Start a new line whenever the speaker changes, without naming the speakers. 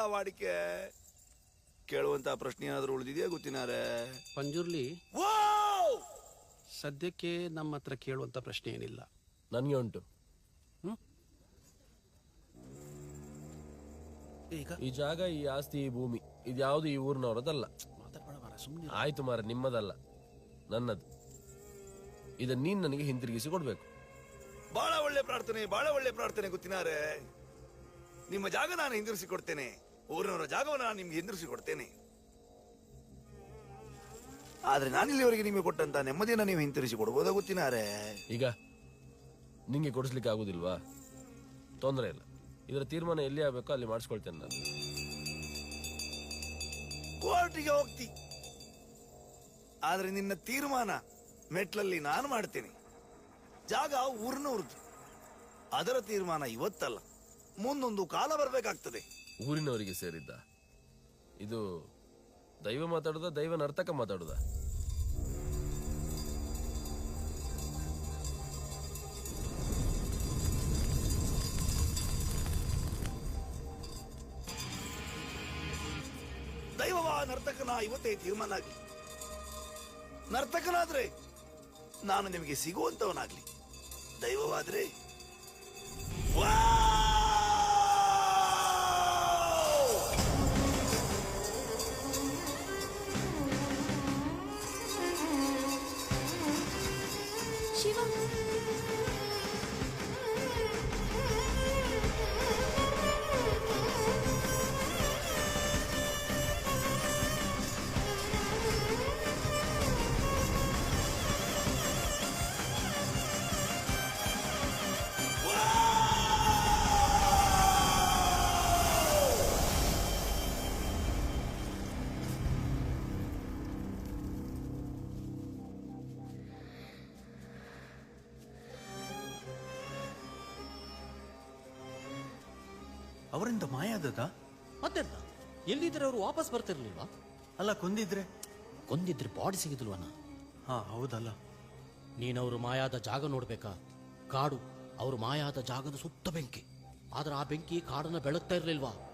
ವಾಡಿಕೆ. ಕೇಳುವಂತ ಪ್ರಶ್ನೆ ಏನಾದ್ರು ಉಳಿದಿದೆಯಾ ಗೊತ್ತಿನಾರೆ?
ಪಂಜುರ್ಲಿ, ಸದ್ಯಕ್ಕೆ ನಮ್ಮ ಹತ್ರ ಕೇಳುವಂತ ಪ್ರಶ್ನೆ ಏನಿಲ್ಲ.
ನನಗೆ ಉಂಟು. ಈ ಜಾಗ, ಈ ಆಸ್ತಿ, ಈ ಭೂಮಿ ಇದ್ಯಾವುದು ಈ ಊರಿನವರದಲ್ಲ. ಆಯ್ತು ಮಾರ, ನಿಮ್ಮದಲ್ಲ, ನನ್ನದು. ಇದನ್ನ ನೀನ್ ನನಗೆ ಹಿಂತಿರುಗಿಸಿ ಕೊಡ್ಬೇಕು.
ಬಹಳ ಒಳ್ಳೆ ಪ್ರಾರ್ಥನೆ, ಬಹಳ ಒಳ್ಳೆ ಪ್ರಾರ್ಥನೆ ಗೊತ್ತಿನಾರೆ. ನಿಮ್ಮ ಜಾಗ ನಾನು ಹಿಂದಿರಿಸಿ ಕೊಡ್ತೇನೆ, ಊರಿನವರ ಜಾಗವನ್ನು ನಾನು ನಿಮ್ಗೆ ಹಿಂದಿರಿಸಿ ಕೊಡ್ತೇನೆ. ಆದ್ರೆ ನಾನಿಲ್ಲಿವರೆಗೆ ನಿಮಗೆ ಕೊಟ್ಟಂತ ನೆಮ್ಮದಿಯನ್ನ ನೀವು ಹಿಂತಿರಿಸಿ ಕೊಡ್ಬೋದಾ ಗೊತ್ತಿನಾರೆ?
ಈಗ ನಿಂಗೆ ಕೊಡಿಸ್ಲಿಕ್ಕೆ ಆಗುದಿಲ್ವಾ? ತೊಂದರೆ ಇಲ್ಲ, ಇದರ ತೀರ್ಮಾನ ಎಲ್ಲಿ ಆಗ್ಬೇಕೋ ಅಲ್ಲಿ ಮಾಡಿಸ್ಕೊಳ್ತೇನೆ ನಾನು.
ಕೋರ್ಟಿಗೆ ಹೋಗ್ತಿ, ಆದ್ರೆ ನಿನ್ನ ತೀರ್ಮಾನ ಮೆಟ್ಲಲ್ಲಿ ನಾನು ಮಾಡ್ತೇನೆ. ಜಾಗ ಊರಿನವ್ರದ್ದು, ಅದರ ತೀರ್ಮಾನ ಇವತ್ತಲ್ಲ, ಮುಂದೊಂದು ಕಾಲ ಬರ್ಬೇಕಾಗ್ತದೆ.
ಊರಿನವರಿಗೆ ಸೇರಿದ್ದ ಇದು? ದೈವ ಮಾತಾಡುದ, ದೈವ ನರ್ತಕ ಮಾತಾಡುದ?
ದೈವವ ನರ್ತಕನ ಇವತ್ತೇ ತೀರ್ಮಾನ ಆಗ್ಲಿ. ನರ್ತಕನಾದ್ರೆ ನಾನು ನಿಮಗೆ ಸಿಗುವಂತವನಾಗ್ಲಿ, ದೈವವಾದ್ರೆ
ಶಿವ.
ಅವರಿಂದ ಮಾಯ ಆದದ?
ಮತ್ತೆಲ್ಲ ಎಲ್ಲಿದ್ರೆ ಅವರು ವಾಪಸ್ ಬರ್ತಿರ್ಲಿಲ್ವಾ?
ಅಲ್ಲ, ಕೊಂದಿದ್ರೆ
ಬಾಡಿ ಸಿಗಿದ್ಲ್ವನ?
ಹಾ ಹೌದಲ್ಲ.
ನೀನವರು ಮಾಯಾದ ಜಾಗ ನೋಡ್ಬೇಕಾ? ಕಾಡು, ಅವರು ಮಾಯಾದ ಜಾಗದ ಸುತ್ತ ಬೆಂಕಿ. ಆದ್ರೆ ಆ ಬೆಂಕಿ ಕಾಡನ್ನ ಬೆಳಗ್ತಾ ಇರ್ಲಿಲ್ವಾ?